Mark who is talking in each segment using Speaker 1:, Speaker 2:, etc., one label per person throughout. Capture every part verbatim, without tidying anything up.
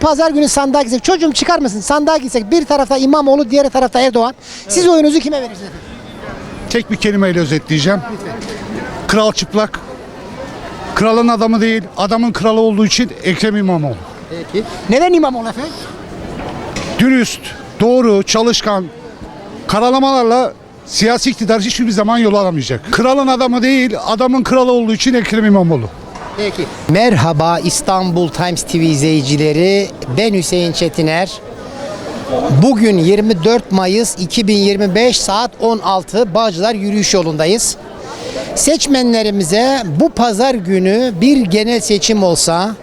Speaker 1: pazar günü sandığa gitsek, çocuğum çıkar mısın? Sandığa gitsek bir tarafta İmamoğlu, diğer tarafta Erdoğan. Siz oyunuzu kime verirsiniz?
Speaker 2: Tek bir kelimeyle özetleyeceğim. Kral çıplak. Kralın adamı değil, adamın kralı olduğu için Ekrem İmamoğlu.
Speaker 1: Peki. Neden İmamoğlu efendim?
Speaker 2: Dürüst, doğru, çalışkan, karalamalarla siyasi iktidar hiçbir zaman yol alamayacak. Kralın adamı değil, adamın kralı olduğu için Ekrem İmamoğlu.
Speaker 1: Peki. Merhaba İstanbul Times T V izleyicileri. Ben Hüseyin Çetiner. Bugün yirmi dört Mayıs iki bin yirmi beş saat on altı Bağcılar yürüyüş yolundayız. Seçmenlerimize bu pazar günü bir genel seçim olsa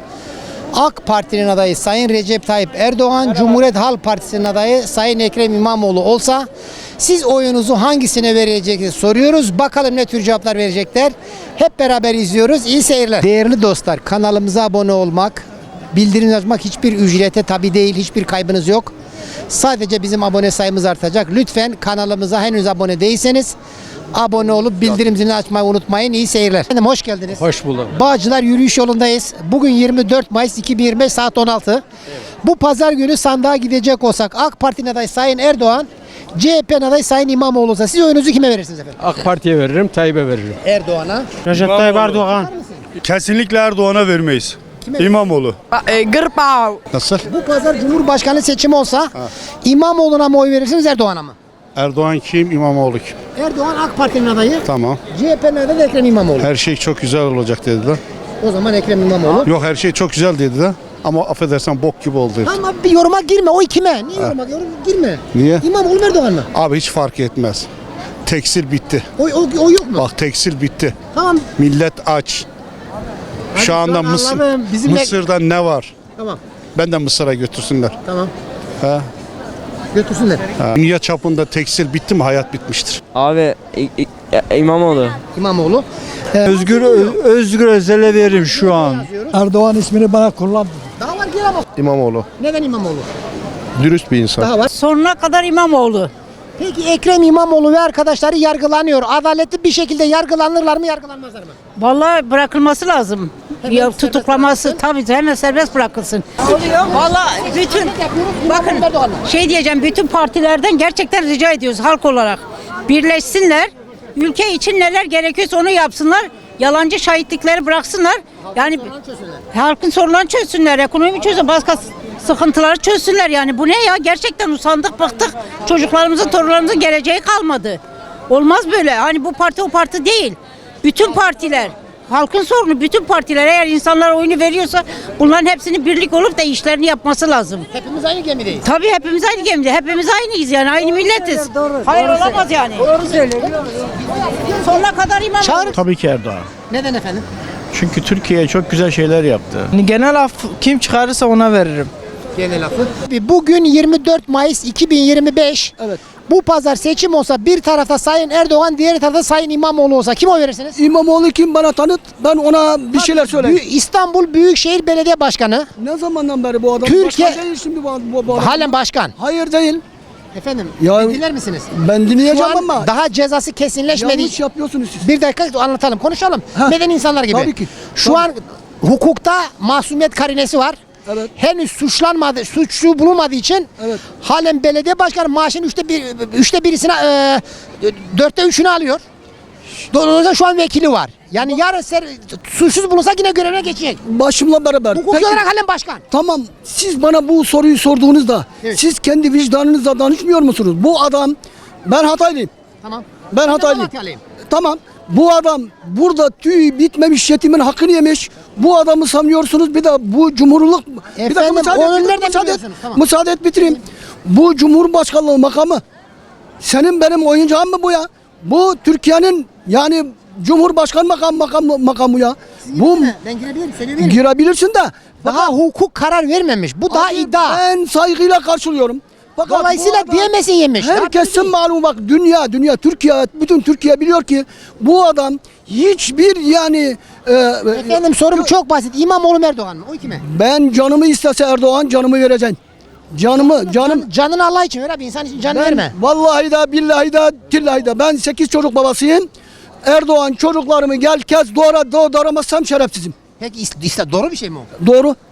Speaker 1: AK Parti'nin adayı Sayın Recep Tayyip Erdoğan, Cumhuriyet Halk Partisi'nin adayı Sayın Ekrem İmamoğlu olsa siz oyunuzu hangisine vereceksiniz soruyoruz. Bakalım ne tür cevaplar verecekler. Hep beraber izliyoruz. İyi seyirler. Değerli dostlar, kanalımıza abone olmak, bildirim açmak hiçbir ücrete tabi değil, hiçbir kaybınız yok. Sadece bizim abone sayımız artacak. Lütfen kanalımıza henüz abone değilseniz abone olup bildirim zilini açmayı unutmayın. İyi seyirler. Efendim hoş geldiniz.
Speaker 3: Hoş bulduk.
Speaker 1: Bağcılar yürüyüş yolundayız. Bugün yirmi dört Mayıs iki bin yirmi beş saat on altı. Evet. Bu pazar günü sandığa gidecek olsak AK Parti'nin adayı Sayın Erdoğan, C H P'nin adayı Sayın İmamoğlu olsa siz oyunuzu kime verirsiniz efendim?
Speaker 3: AK Parti'ye veririm, Tayyip'e veririm.
Speaker 1: Erdoğan'a.
Speaker 4: Recep Tayyip Erdoğan.
Speaker 5: Kesinlikle Erdoğan'a vermeyiz. İmamoğlu.
Speaker 4: Gırpav.
Speaker 2: Nasıl?
Speaker 1: Bu pazar Cumhurbaşkanı seçimi olsa İmamoğlu'na mı oy verirsiniz Erdoğan'a mı?
Speaker 2: Erdoğan kim, İmamoğlu kim?
Speaker 1: Erdoğan AK Parti'nin adayı.
Speaker 2: Tamam.
Speaker 1: C H P'nin adayı da Ekrem İmamoğlu.
Speaker 2: Her şey çok güzel olacak dediler.
Speaker 1: O zaman Ekrem İmamoğlu.
Speaker 2: Yok her şey çok güzel dediler. Ama affedersen bok gibi oldu.
Speaker 1: Ama bir yoruma girme. Oy kime? Niye yoruma yorum girme?
Speaker 2: Niye?
Speaker 1: İmamoğlu mu Erdoğan mı?
Speaker 2: Abi hiç fark etmez. Tekstil bitti.
Speaker 1: Oy, oy, oy yok mu?
Speaker 2: Bak tekstil bitti.
Speaker 1: Tamam.
Speaker 2: Millet aç.
Speaker 1: Hadi
Speaker 2: Şu anda
Speaker 1: şu an
Speaker 2: Mısır,
Speaker 1: anladım. Bizimle-
Speaker 2: Mısır'da ne var?
Speaker 1: Tamam.
Speaker 2: Ben de Mısır'a götürsünler.
Speaker 1: Tamam.
Speaker 2: Ha?
Speaker 1: Götürsünler.
Speaker 2: Ha. Dünya çapında tekstil bitti mi hayat bitmiştir.
Speaker 6: Abi İ- İ- İmamoğlu.
Speaker 1: İmamoğlu. Ee,
Speaker 4: Özgür Özgür Özel'e veririm şu an.
Speaker 7: Erdoğan ismini bana kullan.
Speaker 1: Daha var gel ama.
Speaker 2: İmamoğlu.
Speaker 1: Neden İmamoğlu?
Speaker 2: Dürüst bir insan.
Speaker 1: Daha var.
Speaker 8: Sonuna kadar İmamoğlu.
Speaker 1: Peki Ekrem İmamoğlu ve arkadaşları yargılanıyor. Adaletli bir şekilde yargılanırlar mı yargılanmazlar mı?
Speaker 8: Vallahi bırakılması lazım. Ya, tutuklaması tabii hemen serbest bırakılsın. Vallahi bütün bakın şey diyeceğim, bütün partilerden gerçekten rica ediyoruz halk olarak. Birleşsinler. Ülke için neler gerekiyorsa onu yapsınlar. Yalancı şahitlikleri bıraksınlar. Yani halkın sorunlarını çözsünler. Ekonomi çözsün. Başka sıkıntıları çözsünler. Yani bu ne ya? Gerçekten usandık, bıktık. Çocuklarımızın, torunlarımızın geleceği kalmadı. Olmaz böyle. Hani bu parti o parti değil. Bütün partiler. Halkın sorunu bütün partiler eğer insanlar oyunu veriyorsa bunların hepsini birlik olup da işlerini yapması lazım.
Speaker 1: Hepimiz aynı gemideyiz.
Speaker 8: Tabii hepimiz aynı gemide. Hepimiz aynıyız yani. Aynı milletiz. Hayır olamaz yani. Doğru söylüyor. Sonuna kadar imam.
Speaker 1: Çağırın.
Speaker 4: Tabii ki Erdoğan.
Speaker 1: Neden efendim?
Speaker 4: Çünkü Türkiye çok güzel şeyler yaptı. Genel af kim çıkarırsa ona veririm.
Speaker 1: Genel lafı. Bugün yirmi dört Mayıs iki bin yirmi beş. Evet. Bu pazar seçim olsa bir tarafta Sayın Erdoğan, diğer tarafta Sayın İmamoğlu olsa kim oy verirsiniz?
Speaker 7: İmamoğlu kim bana tanıt, ben ona bir şeyler söyleyeyim.
Speaker 1: Büyük- İstanbul Büyükşehir Belediye Başkanı.
Speaker 7: Ne zamandan beri bu adam?
Speaker 1: Türkiye-
Speaker 7: Başkan değil şimdi bu, bu, bu adam.
Speaker 1: Halen başkan.
Speaker 7: Hayır değil.
Speaker 1: Efendim
Speaker 7: Ya-
Speaker 1: dinler misiniz?
Speaker 7: Ben
Speaker 1: Şu
Speaker 7: dinleyeceğim
Speaker 1: an
Speaker 7: ama
Speaker 1: daha cezası kesinleşmedi.
Speaker 7: yanlış yapıyorsunuz siz.
Speaker 1: Bir dakika anlatalım, konuşalım.
Speaker 7: Ha.
Speaker 1: Neden insanlar gibi?
Speaker 7: Tabii ki.
Speaker 1: Şu
Speaker 7: Tabii.
Speaker 1: an hukukta masumiyet karinesi var.
Speaker 7: Evet.
Speaker 1: Henüz suçlanmadı, suçlu bulunmadığı için
Speaker 7: Evet.
Speaker 1: halen belediye başkanı maaşının üçte bir, üçte birisine, e, dörtte üçünü alıyor. Dolayısıyla şu an vekili var. Yani yarın ser, suçsuz bulunsa yine görevine geçecek.
Speaker 7: Başımla beraber.
Speaker 1: Hukuki
Speaker 7: Peki,
Speaker 1: olarak halen başkan.
Speaker 7: tamam, siz bana bu soruyu sorduğunuzda
Speaker 1: Evet.
Speaker 7: siz kendi vicdanınızla danışmıyor musunuz? Bu adam, ben Hataylıyım.
Speaker 1: Tamam.
Speaker 7: Ben Hataylıyım.
Speaker 1: Hataylıyım.
Speaker 7: Tamam. Bu adam burada tüy bitmemiş yetimin hakkını yemiş. Bu adamı sanıyorsunuz. Bir de bu cumhurluk... bir dakika,
Speaker 1: Efendim,
Speaker 7: müsaade
Speaker 1: onu
Speaker 7: et,
Speaker 1: nereden
Speaker 7: müsaade et.
Speaker 1: biliyorsunuz? Tamam.
Speaker 7: Müsaade et bitireyim. Bu cumhurbaşkanlığı makamı senin benim oyuncağım mı bu ya? Bu Türkiye'nin yani cumhurbaşkan makam makamı, makamı ya. Bu
Speaker 1: Ben girebilirim, söyleyebilirim.
Speaker 7: girebilirsin de
Speaker 1: Daha hukuk karar vermemiş. Bu daha
Speaker 7: Abi,
Speaker 1: iddia.
Speaker 7: ben saygıyla karşılıyorum. Fakat
Speaker 1: Dolayısıyla
Speaker 7: bu adam-
Speaker 1: diyemesin yemiş.
Speaker 7: Herkesin malumu, bak dünya dünya Türkiye, bütün Türkiye biliyor ki bu adam hiçbir yani e,
Speaker 1: Efendim sorum çok basit. İmamoğlu mu Erdoğan mı? O kime?
Speaker 7: ben canımı istese Erdoğan canımı vereceksin. Canımı canım
Speaker 1: Can, canını Allah için ver abi. İnsan için can
Speaker 7: ben
Speaker 1: verme.
Speaker 7: vallahi da billahi da tillahi da ben sekiz çocuk babasıyım. Erdoğan çocuklarımı gel kez doğra doğ- doğramazsam şerefsizim.
Speaker 1: Peki is- is- doğru bir şey mi o?
Speaker 7: Doğru.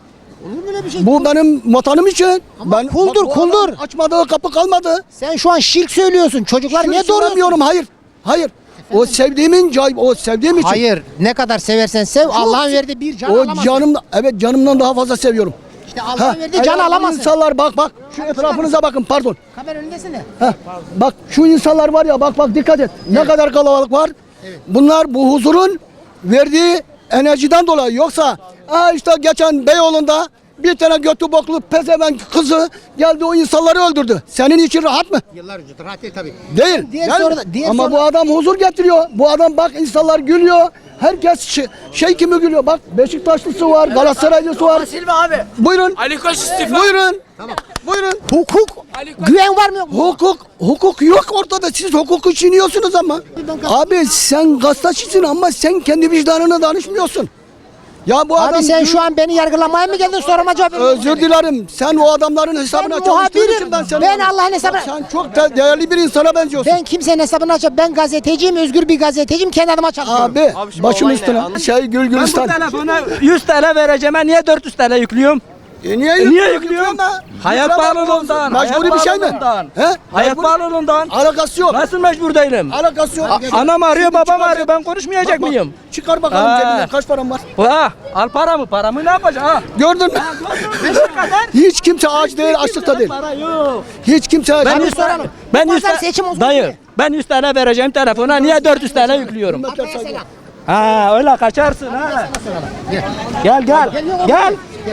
Speaker 1: Olur mu öyle bir şey?
Speaker 7: Bu benim vatanım için.
Speaker 1: Ama
Speaker 7: ben
Speaker 1: kuldur,
Speaker 7: bu
Speaker 1: kuldur.
Speaker 7: adam Açmadığı kapı kalmadı.
Speaker 1: Sen şu an şirk söylüyorsun. Çocuklar
Speaker 7: Şunu
Speaker 1: niye doğruyorsun?
Speaker 7: söylemiyorum, hayır. Hayır. O sevdiğimin cay, o sevdiğim için.
Speaker 1: Hayır. Ne kadar seversen sev. Allah'ın verdiği bir can
Speaker 7: O
Speaker 1: alamazsın.
Speaker 7: canım, evet canımdan daha fazla seviyorum.
Speaker 1: İşte Allah'ın
Speaker 7: Ha,
Speaker 1: verdiği can
Speaker 7: eğer bu
Speaker 1: alamazsın.
Speaker 7: İnsanlar bak bak şu etrafınıza bakın, pardon.
Speaker 1: Kamera önündesin de.
Speaker 7: Heh, bak şu insanlar var ya, bak bak dikkat et. Ne kadar kalabalık var. Bunlar bu huzurun verdiği enerjiden dolayı. Yoksa aa işte geçen Beyoğlu'nda bir tane götü boklu pezevenk kızı geldi, o insanları öldürdü. Senin için rahat mı?
Speaker 1: Yıllar önce rahat değil tabii.
Speaker 7: Değil.
Speaker 1: Diğer
Speaker 7: Değil mi?
Speaker 1: soruda- diğer
Speaker 7: Ama
Speaker 1: soru-
Speaker 7: bu adam huzur getiriyor. Bu adam bak, insanlar gülüyor. Herkes şey, şey kimi gülüyor. Bak Beşiktaşlısı var, Galatasaraylısı var.
Speaker 4: Silva abi.
Speaker 7: Buyurun.
Speaker 4: Ali Koç istifa.
Speaker 7: Buyurun. Buyurun.
Speaker 1: Hukuk, güven var mı yok mu?
Speaker 7: Hukuk, hukuk yok ortada. Siz hukuku çiğniyorsunuz ama. Abi sen gazetecisin ama sen kendi vicdanına danışmıyorsun. Ya bu
Speaker 1: Abi
Speaker 7: adam...
Speaker 1: sen şu an beni yargılamaya mı geldin, soruma cevap veriyorsun?
Speaker 7: Özür dilerim. Sen o adamların hesabına
Speaker 1: Ben
Speaker 7: çalıştığın
Speaker 1: muhabirim.
Speaker 7: için ben seni...
Speaker 1: Ben Allah'ın hesabına-
Speaker 7: Sen çok da değerli bir insana benziyorsun.
Speaker 1: Ben kimsenin hesabını açıp ben gazeteciyim, özgür bir gazeteciyim, kendi adıma çalışıyorum.
Speaker 7: Abi, başım üstüne. Şey Gül
Speaker 4: Ben bu
Speaker 7: Gülistan.
Speaker 4: telefona yüz T L vereceğim. Ben niye dört yüz T L yüklüyorum?
Speaker 7: E niye,
Speaker 4: E niye yüklüyorum?
Speaker 7: da?
Speaker 4: Hayat
Speaker 7: Yükleme.
Speaker 4: pahalılığından.
Speaker 7: Mecburi bir şey mi?
Speaker 4: pahalılığından.
Speaker 7: He?
Speaker 4: Hayat
Speaker 7: Mecburi-
Speaker 4: pahalılığından.
Speaker 7: Alakası yok.
Speaker 4: Nasıl mecbur değilim?
Speaker 7: Alakası yok.
Speaker 4: A- Anam arıyor,
Speaker 7: Şimdi
Speaker 4: babam
Speaker 7: çıkar-
Speaker 4: arıyor. Ben konuşmayacak
Speaker 7: Bak, bak,
Speaker 4: mıyım?
Speaker 7: Çıkar bakalım
Speaker 4: Ha.
Speaker 7: cebinden kaç param var.
Speaker 4: Ha, al paramı. Paramı ne yapacaksın? Ha?
Speaker 7: Gördün mü? Hiç kimse aç değil, açlıkta değil.
Speaker 4: Para yok.
Speaker 7: Hiç kimse aç.
Speaker 4: Ben
Speaker 1: Abi
Speaker 4: yüz
Speaker 1: soralım.
Speaker 4: Ben
Speaker 1: Bu
Speaker 4: yüz
Speaker 1: pazar
Speaker 4: T-
Speaker 1: seçim olsun
Speaker 4: Dayı,
Speaker 1: diye.
Speaker 4: ben yüz T L vereceğim telefona. Niye dört yüz T L yüklüyorum?
Speaker 1: Ataya selam.
Speaker 4: Ha, öyle kaçarsın ha. Gel gel. Gel.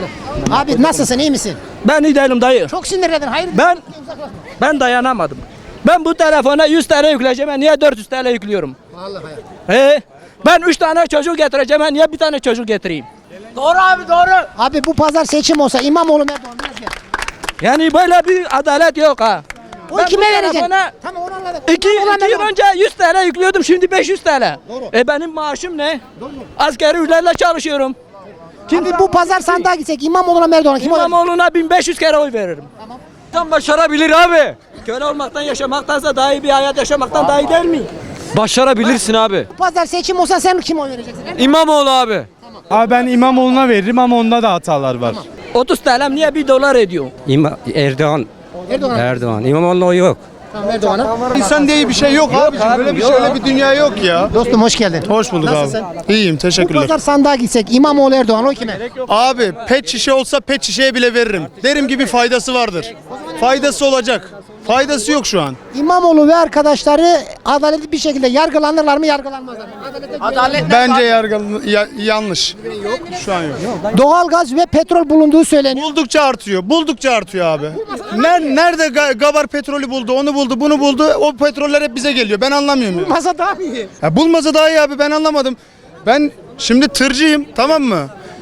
Speaker 1: Abi nasılsın, iyi misin?
Speaker 4: Ben iyi değilim dayı.
Speaker 1: Çok sinirledin, hayır.
Speaker 4: Ben ben dayanamadım. Ben bu telefona yüz T L yükleyeceğim. Ben niye dört yüz T L yüklüyorum?
Speaker 1: Vallahi.
Speaker 4: He? Ben üç tane çocuk getireceğim. Ben niye bir tane çocuk getireyim? Doğru abi doğru.
Speaker 1: Abi bu pazar seçim olsa İmamoğlu mu Erdoğan mı? Biraz gel.
Speaker 4: Yani böyle bir adalet yok ha.
Speaker 1: O
Speaker 4: Ben
Speaker 1: kime
Speaker 4: bu
Speaker 1: vereceksin?
Speaker 4: telefona
Speaker 1: Tamam, onu anladık.
Speaker 4: İki,
Speaker 1: İmamoğlu mu
Speaker 4: iki yıl
Speaker 1: Erdoğan mı?
Speaker 4: önce yüz T L yüklüyordum, şimdi beş yüz T L.
Speaker 1: Doğru.
Speaker 4: E benim maaşım ne? Asgari ücretle çalışıyorum.
Speaker 1: Abi bu pazar sandığa gitsek İmamoğlu mu Erdoğan, kim olur?
Speaker 4: İmamoğlu'na bin beş yüz kere oy veririm. Tamam. Tam başarabilir abi. Köle olmaktan yaşamaktansa daha iyi bir hayat yaşamaktan daha iyi değil mi?
Speaker 9: Başarabilirsin abi.
Speaker 1: Bu pazar seçim olsa sen kim oy vereceksin?
Speaker 9: İmamoğlu abi.
Speaker 3: Abi ben İmamoğlu'na veririm ama onda da hatalar var.
Speaker 4: otuz T L niye bir dolar ediyor?
Speaker 10: İma, Erdoğan.
Speaker 1: Erdoğan.
Speaker 10: Erdoğan. İmamoğlu'na oy yok.
Speaker 1: Tamam, Erdoğan'a.
Speaker 5: İnsan diye bir şey yok, abiciğim. Böyle bir şey, öyle bir dünya yok ya.
Speaker 1: Dostum hoş geldin.
Speaker 5: Hoş bulduk
Speaker 1: Nasılsın?
Speaker 5: abi. İyiyim,
Speaker 1: Bu
Speaker 5: teşekkürler.
Speaker 1: pazar sandığa gitsek İmamoğlu Erdoğan, o kime?
Speaker 5: Abi pet şişe olsa pet şişeye bile veririm. Derim ki bir faydası vardır. Faydası olacak. Faydası yok şu an.
Speaker 1: İmamoğlu ve arkadaşları adaletli bir şekilde yargılanırlar mı, yargılanmazlar mı? Adalete güven-
Speaker 5: Bence yargı ya- yanlış. Şu an yok.
Speaker 1: Doğalgaz ve petrol bulunduğu söyleniyor.
Speaker 5: Buldukça artıyor. Buldukça artıyor abi. Ner- Nerede Ga- Gabar petrolü buldu, onu buldu, bunu buldu. O petroller hep bize geliyor. Ben anlamıyorum. ya.
Speaker 1: Masa daha mı iyi?
Speaker 5: Ya bulmasa daha iyi abi, ben anlamadım. Ben şimdi tırcıyım, tamam mı?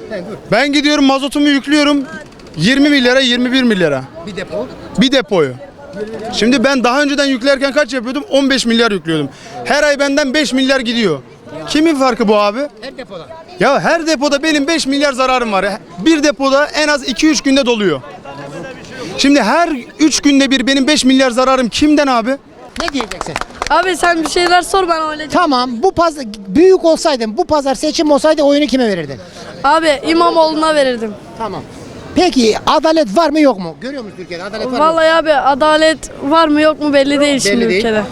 Speaker 5: Ben gidiyorum mazotumu yüklüyorum yirmi milyara, yirmi bir milyara.
Speaker 1: Bir depo.
Speaker 5: Bir depoyu. Şimdi ben daha önceden yüklerken kaç yapıyordum? on beş milyar yüklüyordum. Her ay benden beş milyar gidiyor. Kimin farkı bu abi?
Speaker 1: Her depoda.
Speaker 5: Ya her depoda benim beş milyar zararım var. Bir depoda en az iki üç günde doluyor. Şimdi her üç günde bir benim beş milyar zararım kimden abi?
Speaker 1: Ne diyeceksin?
Speaker 11: Abi sen bir şeyler sor, ben öyle.
Speaker 1: Tamam, bu pazar büyük olsaydın, bu pazar seçim olsaydı oyunu kime verirdin?
Speaker 11: Abi İmamoğlu'na verirdim.
Speaker 1: Tamam. Peki adalet var mı yok mu? Görüyor musun Türkiye'de adalet var mı?
Speaker 11: Vallahi abi adalet var mı yok mu belli değil şimdi
Speaker 1: değil.
Speaker 11: ülkede.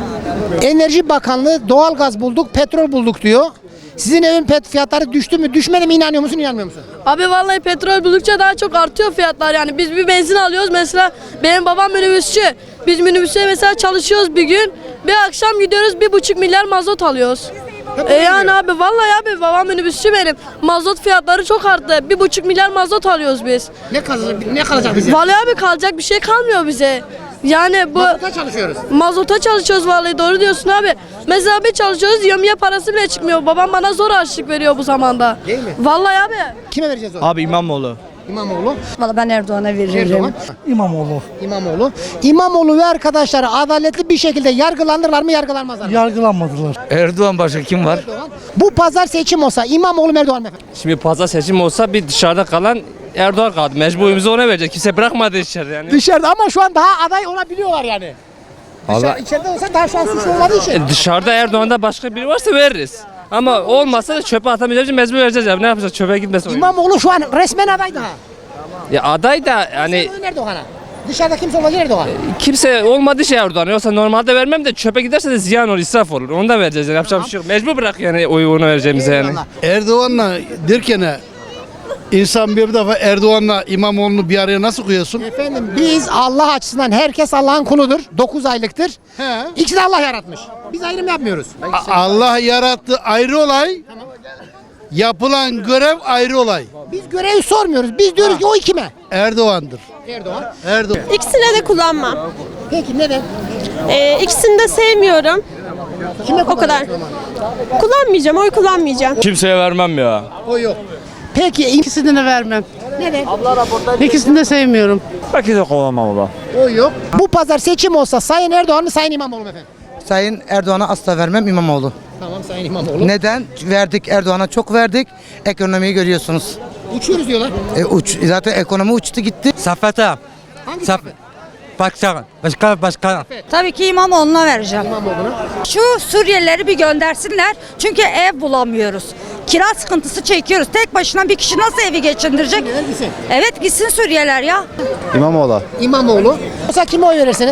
Speaker 1: Enerji Bakanlığı doğalgaz bulduk, petrol bulduk diyor. Sizin evin pet fiyatları düştü mü, düşmedi mi, inanıyor musun, inanmıyor musun?
Speaker 11: Abi vallahi petrol buldukça daha çok artıyor fiyatlar yani. Biz bir benzin alıyoruz mesela, benim babam minibüsçü. Biz minibüste mesela çalışıyoruz bir gün. Bir akşam gidiyoruz bir buçuk milyar mazot alıyoruz. E yani abi vallahi abi babam minibüsçü benim. Mazot fiyatları çok arttı. Bir buçuk milyar mazot alıyoruz biz.
Speaker 1: Ne kalacak, ne kalacak bize?
Speaker 11: Vallahi abi kalacak bir şey kalmıyor bize. Yani bu
Speaker 1: Mazota çalışıyoruz.
Speaker 11: mazota çalışıyoruz vallahi, doğru diyorsun abi. Mesela bir çalışıyoruz, yemeğe parası bile çıkmıyor. Babam bana zor harçlık veriyor bu zamanda.
Speaker 1: Değil mi?
Speaker 11: Vallahi abi.
Speaker 1: Kime vereceğiz o?
Speaker 3: Abi İmamoğlu.
Speaker 1: İmamoğlu.
Speaker 11: Vallahi ben Erdoğan'a veririm.
Speaker 1: Erdoğan.
Speaker 7: İmamoğlu.
Speaker 1: İmamoğlu. İmamoğlu ve arkadaşları adaletli bir şekilde yargılanırlar mı, yargılanmazlar mı?
Speaker 7: Yargılanmadılar.
Speaker 9: Erdoğan başka kim var?
Speaker 1: Erdoğan. Bu pazar seçim olsa İmamoğlu mu Erdoğan mı efendim?
Speaker 9: Şimdi pazar seçim olsa bir dışarıda kalan Erdoğan kaldı. Mecburumuzu ona verecek. Kimse bırakmadı içeride yani.
Speaker 1: Dışarıda ama şu an daha aday olabiliyorlar yani. Dışarı,
Speaker 9: Allah-
Speaker 1: içeride olsa daha şanslı olmadığı için.
Speaker 9: E, Dışarıda Erdoğan'da başka biri varsa veririz. Ama olmazsa da çöpe atamayacağız, mecbur vereceğiz abi. Ne yapacağız? Çöpe gitmesin. oyun.
Speaker 1: İmamoğlu şu an resmen aday daha.
Speaker 9: Ya aday da yani
Speaker 1: Sen Erdoğan'a. Dışarıda kimse olacak Erdoğan.
Speaker 9: kimse olmadı şey Erdoğan. Yoksa normalde vermem de çöpe giderse de ziyan olur, israf olur. Onu da vereceğiz. Yani yapacak bir şey yok. Mecbur bırak yani oyu ona vereceğimize yani.
Speaker 1: Eyvallah.
Speaker 2: Erdoğan'la derken insan bir defa Erdoğan'la İmamoğlu'nu bir araya nasıl koyuyorsun?
Speaker 1: Efendim biz Allah açısından herkes Allah'ın kuludur. dokuz aylıktır.
Speaker 2: He.
Speaker 1: İkisi de Allah yaratmış. Biz ayrım yapmıyoruz.
Speaker 2: Allah yarattı ayrı olay. Yapılan görev ayrı olay.
Speaker 1: Biz görevi sormuyoruz. Biz diyoruz ki o kime?
Speaker 2: Erdoğan'dır.
Speaker 1: Erdoğan.
Speaker 2: Erdoğan.
Speaker 11: İkisine de kullanmam.
Speaker 1: Peki neden?
Speaker 11: Ee, ikisini de sevmiyorum.
Speaker 1: Kime
Speaker 11: O kadar. Kullanmayacağım, oy kullanmayacağım.
Speaker 3: Kimseye vermem ya.
Speaker 1: O yok. Peki
Speaker 8: İkisini de vermem.
Speaker 1: neden?
Speaker 8: İkisini de sevmiyorum.
Speaker 3: Belki de kullanmam o.
Speaker 1: O yok. Bu pazar seçim olsa Sayın Erdoğan mı Sayın İmamoğlu mu efendim?
Speaker 7: Sayın Erdoğan'a asla vermem, İmamoğlu.
Speaker 1: Tamam Sayın İmamoğlu.
Speaker 7: Neden? Verdik, Erdoğan'a çok verdik. Ekonomiyi görüyorsunuz.
Speaker 1: Uçuyoruz diyorlar.
Speaker 7: E, uç, zaten ekonomi uçtu gitti.
Speaker 10: Safete.
Speaker 1: Hangi
Speaker 10: Saf Başkan. Başkan. Başkan.
Speaker 8: Tabii ki İmamoğlu'na vereceğim.
Speaker 1: İmamoğlu'na?
Speaker 8: Şu Suriyelileri bir göndersinler. Çünkü ev bulamıyoruz. Kira sıkıntısı çekiyoruz. Tek başına bir kişi nasıl evi geçindirecek?
Speaker 1: Gitsin.
Speaker 8: Evet gitsin Suriyeliler ya.
Speaker 3: İmamoğlu.
Speaker 1: İmamoğlu. Olsa kime oy verirsiniz?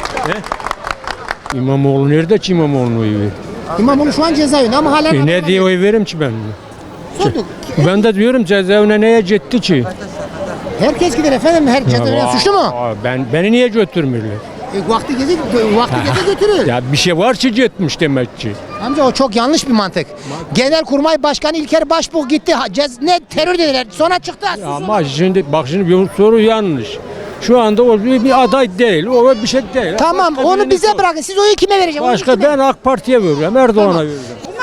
Speaker 10: İmamoğlu nerede ki İmamoğlu'nu oy verir?
Speaker 1: İmamoğlu şu an cezaevinde ama hala...
Speaker 10: E ne diye oy veririm ki ben?
Speaker 1: Sorduk.
Speaker 10: Ben de diyorum cezaevine neye gitti ki?
Speaker 1: Herkes gider efendim. Her cezaevine suçlu mu?
Speaker 10: Aa, Ben beni niye götürmüyorlar?
Speaker 1: E, vakti gezi, vakti gezi götürür.
Speaker 10: Ya bir şey var ki gitmiş demek ki.
Speaker 1: Amca o çok yanlış bir mantık. Genelkurmay Başkanı İlker Başbuğ gitti. Ha, cez, ne terör dediler. Sonra çıktı.
Speaker 10: Ya ama şimdi bak şimdi bir soru yanlış. Şu anda o bir bir aday değil. O bir şey değil.
Speaker 1: Tamam
Speaker 10: Başka
Speaker 1: onu
Speaker 10: birini
Speaker 1: bize
Speaker 10: sor.
Speaker 1: bırakın. Siz oyu kime vereceksiniz?
Speaker 10: Başka ben AK Parti'ye veriyorum. Erdoğan'a veriyorum.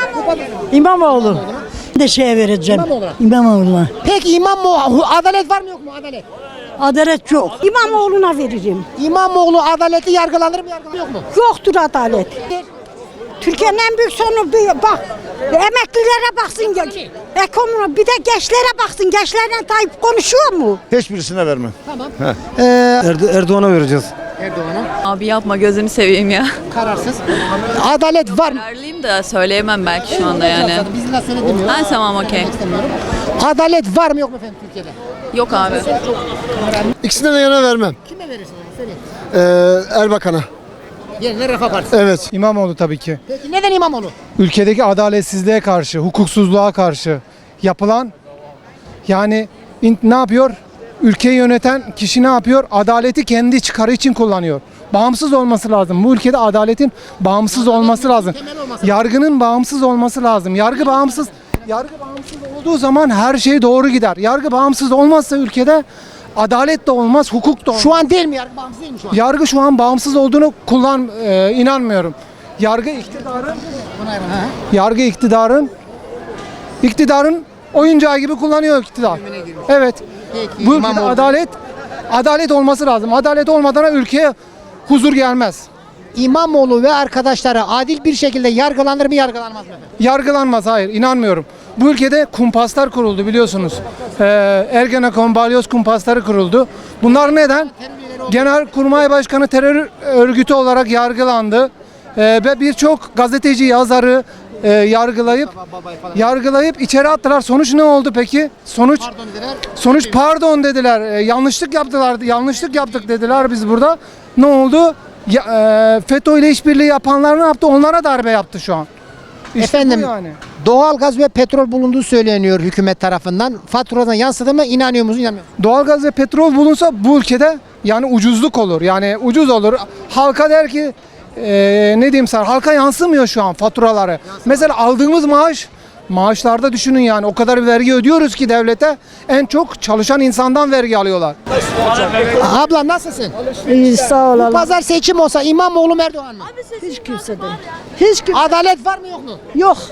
Speaker 8: İmamoğlu. De şeye vereceğim.
Speaker 1: İmamoğlu'na.
Speaker 8: İmamoğlu'na.
Speaker 1: Peki İmamoğlu adalet var mı yok mu adalet?
Speaker 8: Adalet yok. İmamoğlu'na veririm.
Speaker 1: İmamoğlu adaleti yargılanır mı yargılanır yok mu?
Speaker 8: Yoktur adalet. Türkiye'nin en büyük sorunu bir- bak. Emeklilere baksın. Ekonomi bir de gençlere baksın. Gençlerle Tayyip konuşuyor mu?
Speaker 3: Hiçbirisine vermem.
Speaker 1: Tamam. Ee,
Speaker 10: Erdoğan'a vereceğiz.
Speaker 1: Erdoğan'a
Speaker 11: Abi yapma gözünü seveyim ya.
Speaker 1: kararsız. Adalet var mı?
Speaker 11: Kararlıyım da söyleyemem belki şu anda yani.
Speaker 1: Biz de söylemiyoruz.
Speaker 11: Ha tamam okey.
Speaker 1: Adalet var mı yok mu efendim Türkiye'de?
Speaker 11: Yok abi.
Speaker 2: İkisine de yana vermem.
Speaker 1: Kime verirsin? Söyle.
Speaker 2: Ee, Erbakan'a.
Speaker 1: Yerine Refah Partisi.
Speaker 2: Evet.
Speaker 3: İmamoğlu tabii ki.
Speaker 1: Peki neden İmamoğlu?
Speaker 3: Ülkedeki adaletsizliğe karşı, hukuksuzluğa karşı yapılan yani in- ne yapıyor? Ülkeyi yöneten kişi ne yapıyor? Adaleti kendi çıkarı için kullanıyor. Bağımsız olması lazım. Bu ülkede adaletin bağımsız olması lazım. Yargının bağımsız olması lazım. Yargı bağımsız yargı bağımsız olduğu zaman her şey doğru gider. Yargı bağımsız olmazsa ülkede adalet de olmaz, hukuk da olmaz.
Speaker 1: Şu an değil mi yargı bağımsız değil mi şu an?
Speaker 3: Yargı şu an bağımsız olduğunu kullan e, inanmıyorum. Yargı iktidarın yargı iktidarın iktidarın oyuncağı gibi kullanıyor iktidar. Evet.
Speaker 1: Peki,
Speaker 3: Bu ülkede
Speaker 1: İmamoğlu.
Speaker 3: adalet adalet olması lazım. Adalet olmadan ülkeye huzur gelmez.
Speaker 1: İmamoğlu ve arkadaşları adil bir şekilde yargılanır mı yargılanmaz mı efendim?
Speaker 3: Yargılanmaz, hayır, inanmıyorum. Bu ülkede kumpaslar kuruldu biliyorsunuz. Ee, Ergenekon, Balyoz kumpasları kuruldu. Bunlar neden? Genelkurmay Başkanı terör örgütü olarak yargılandı. Ee, ve birçok gazeteci, yazarı e, yargılayıp yargılayıp içeri attılar. Sonuç ne oldu peki? Sonuç sonuç pardon dediler. Ee, yanlışlık yaptılar. Yanlışlık yaptık dediler biz burada. Ne oldu? Ya, e, FETÖ ile işbirliği yapanlar ne yaptı? Onlara darbe yaptı şu an. İşte bu
Speaker 1: Efendim
Speaker 3: yani.
Speaker 1: doğalgaz ve petrol bulunduğu söyleniyor hükümet tarafından. Faturadan yansıdı mı inanıyor musunuz inanmıyor musunuz?
Speaker 3: Doğalgaz ve petrol bulunsa bu ülkede yani ucuzluk olur. Yani ucuz olur. Halka der ki e, ne diyeyim sana, halka yansımıyor şu an faturaları. Mesela aldığımız maaş maaşlarda düşünün yani o kadar vergi ödüyoruz ki devlete, en çok çalışan insandan vergi alıyorlar.
Speaker 1: Abla nasılsın?
Speaker 8: İyi sağ
Speaker 1: Bu pazar seçim olsa İmamoğlu mu Erdoğan mı?
Speaker 8: Hiç kimseden. Hiç kim
Speaker 1: Adalet var mı yok mu?
Speaker 8: yok.